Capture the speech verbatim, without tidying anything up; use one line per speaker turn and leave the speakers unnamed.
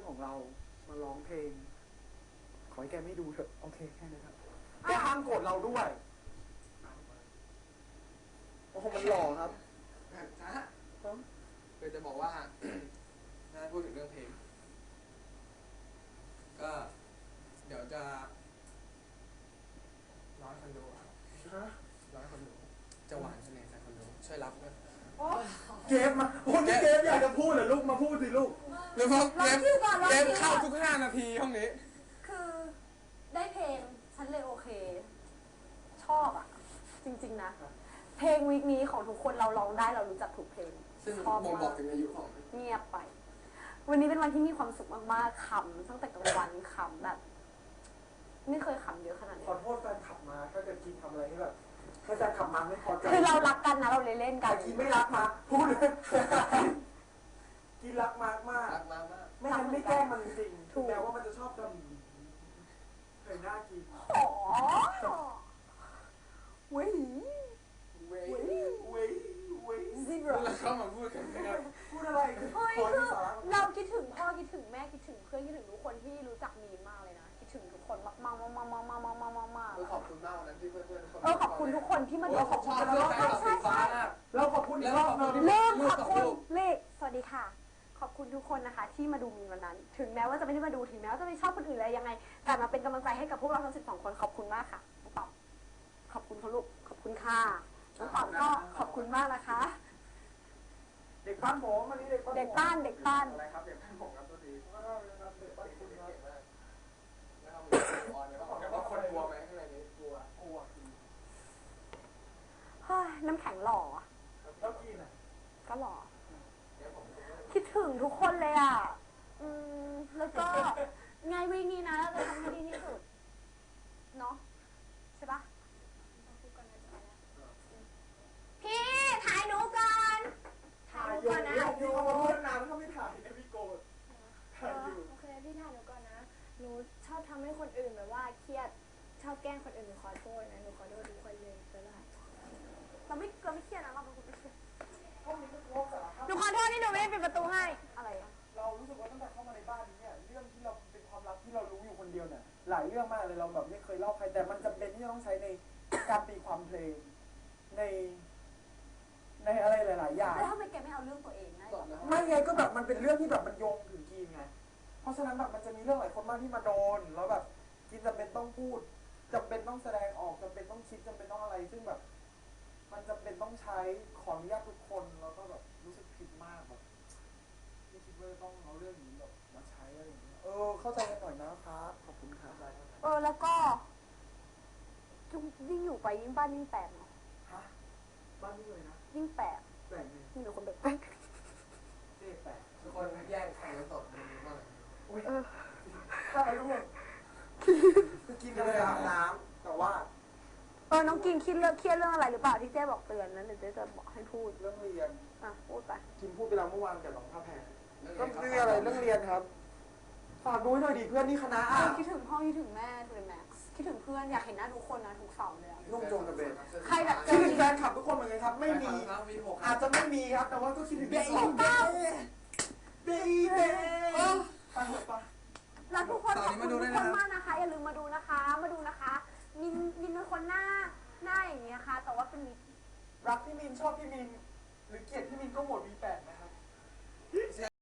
ของเรามาร้องเพลงขอให้แกไม่ดูเถอะโอเคแค่นี้ครับแกห้ามโกรธเราด้วยโอ้โหมันหล่อครับ
นะคือจะบอกว่าถ้าพูดถึงเรื่องเพลงก็เดี๋ยวจะร้อยคนดูร้อยคนดูจะหวานคะแนนนะคนดูช่วยรับด้วย
เกฟมาคนที่เกฟอยากจะพูดเหรอลูกมาพูดสิลูก
หรือเพราะเกฟเกฟเข้าทุกห้านาทีห้องนี้
คือได้เพลงฉันเลยโอเคชอบอ่ะจริงๆนะเพลงวีคนี้ของทุกคนเราร้องได้เรารู้จักทุกเพลง
ซึ่งบ่งบอกถึงอายุของ
เงียบไปวันนี้เป็นวันที่มีความสุขมากๆขำตั้งแต่กลางวันขำแบบไม่เคยขำเยอะขนาดนี้
ขอโทษแฟนขับมาถ้าจะกินทำอะไรที่แบบถ้าแฟนขับมาไม่พอใจ
คือเรารักกันนะเราเลยเล่นกัน
กินไม่รักมาพูดเลยกินรักมากมาก
รักมากมาก
ไม่งั้นไม่แกล้งมันจริงถูกแม้ว่ามันจะชอบทำเคยน่ากิน
อ๋อเว้ย
เว้ยเว้ยเว้ย
ซิบ
แล้วเข้ามาพูดกันนะครับ
พูดอะไรคือ
เฮ้ยคือเราคิดถึงพ่อคิดถึงแม่คิดถึงเพื่อนคิดถึงทุกคนที่รู้จักมีมากเลยนะคิดถึงทุกคนมากมากมากมากมากมากมากมากมากมาก
ขอบคุณมากวันนั้นที่เพื่อนเพื่อนทุกคน
เออขอบคุณทุกคนที่มาดู
ขอบคุณแล้วใช่ใช่ใช่
เราขอบคุณอีกรอบนึง
เริ่มขอบคุณเลขสวัสดีค่ะขอบคุณทุกคนนะคะที่มาดูมีวันนั้นถึงแม้ว่าจะไม่ได้มาดูถึงแม้ว่าจะไม่ชอบคนอื่นอะไรยังไงแต่มาเป็นกำลังใจให้กับพวกเราทั้งสิบสองคนขอบคุณมากค่ะน้องตอบขอบคุณเขาลูกขอบคุณค่ะน้องตอบก็ขอบคุณมากนะคะ
เด็กบ้านผมอันนี้เด็กบ้าน
เด็กบ้านเด็กบ้าน
อะไรครับเด็กบ้านผมครับตัวดี
เด็กบ้านคุณครับ
แล้วทำมืออ่อนเลยว่าว่าคนกลัวไหมข้างในนี้กลัว
กลัว
เฮ้ยน้ำแข็งหล่อ
แล้วกินอ่ะ
ก็หล่อคิดถึงทุกคนเลยอ่ะอืมแล้วก็ไงวิ่งนี้นะเราจะทำให้ดีที่สุดเนาะใช่ปะพี่ถ่ายหนูก่อน
ถ่ายอยู่นะอยู่มาพูดนานแล้วก็ไม่ถ่ายนะพี่โกดถ่ายอยู่
โอเคพี่ถ่ายหนูก่อนนะหนูชอบทำให้คนอื่นแบบว่าเครียดชอบแกล้งคนอื่นหนูขอโทษนะหนูขอโทษทุกคนเลยก็ได้
เราไม่เราไม่เครียดนะเราเป็นคนไม่เครียด
ห้องนี้ก็โล่งสารพัด
หนูขอโทษที่หนูไม่ได้ปิดประตูให้อะไรอะ
เรารู้สึกว่าตั้งแต่เข้ามาในบ้านนี้เนี่ยเรื่องที่เราเป็นความลับที่เรารู้อยู่คนเดียวเนี่ยหลายเรื่องมากเลยเราแบบไม่เคยเล่าใครแต่มันจำเป็นที่จะต้องใช้ในการตีความเพลงในในอะไรหลายๆอย่าง
แล้วทำไมแกไม่เอาเรื่องตัวเองนะ
ไม่ไงก็แบบมันเป็นเรื่องที่แบบมันโยงถึงกีนไงเพราะฉะนั้นแบบมันจะมีเรื่องหลายคนมากที่มาโดนแล้วแบบกีนจำเป็นต้องพูดจำเป็นต้องแสดงออกจำเป็นต้องคิดจำเป็นต้องอะไรซึ่งแบบมันจำเป็นต้องใช้ขออนุญาตทุกคนแล้วก็แบบรู้สึกผิดมากแบบไม่คิดว่าต้องเอาเรื่องนี้แบบมาใช้อะไรอย่างเงี้ยเออเข้าใจกันหน่อยนะครับขอบคุณครับ
เออแล้วก็ยิ่งอยู่ไปยิ่งบ้านยิ่งแตกเนาะ
ฮะบ้านยิ่งเลยนะ
ยิ่งแปลก
แปลกเลย
ยิ่งมีคนแบบแปลก
เจ๊แปลก
ทุกคนแย่งไข่กันสดดูบ้าง
อุ้ยข้าวร่วงคือกินกันเลยอาบน้ำแต่ว่า
เออน้องกินคิดเรื่องเครียดเรื่องอะไรหรือเปล่าที่เจ๊บอกเตือนนั้นเดี๋ยวเจ๊จะบอกให้พูด
เรื่องเรียน
อ่ะพูดไป
กินพูดไปแล้วเมื่อวานกับน้องท่าแพรเรื่องอะไรเรื่องเรียนครับฝากดูให้หน่อยดิเพื่อนนี่คณะ
คิดถึงพ่อคิดถึงแม่เลยแม็กคิดถึงเพื่อนอยากเห็นหน้าทุกคนนะทุกเสาร์เลย
นุ่มโจงกระเบน
ใครแบบ
คิดถึงแฟนคลับทุกคนเหมือนกันครับไม่มีอาจจะไม่มีครับแต่ว่าก็คิดถึงเบย์เบย์เบย์เบย์ไปหมดปะ
รักทุกคนขอบคุณทุกคนมากนะคะอย่าลืมมาดูนะคะมาดูนะคะมินมินเป็นคนหน้าหน้าอย่างนี้นะคะแต่ว่าเป็น
รักพี่มินชอบพี่มินหรือเกลียดพี่มินก็โหวต วี แปดนะครับ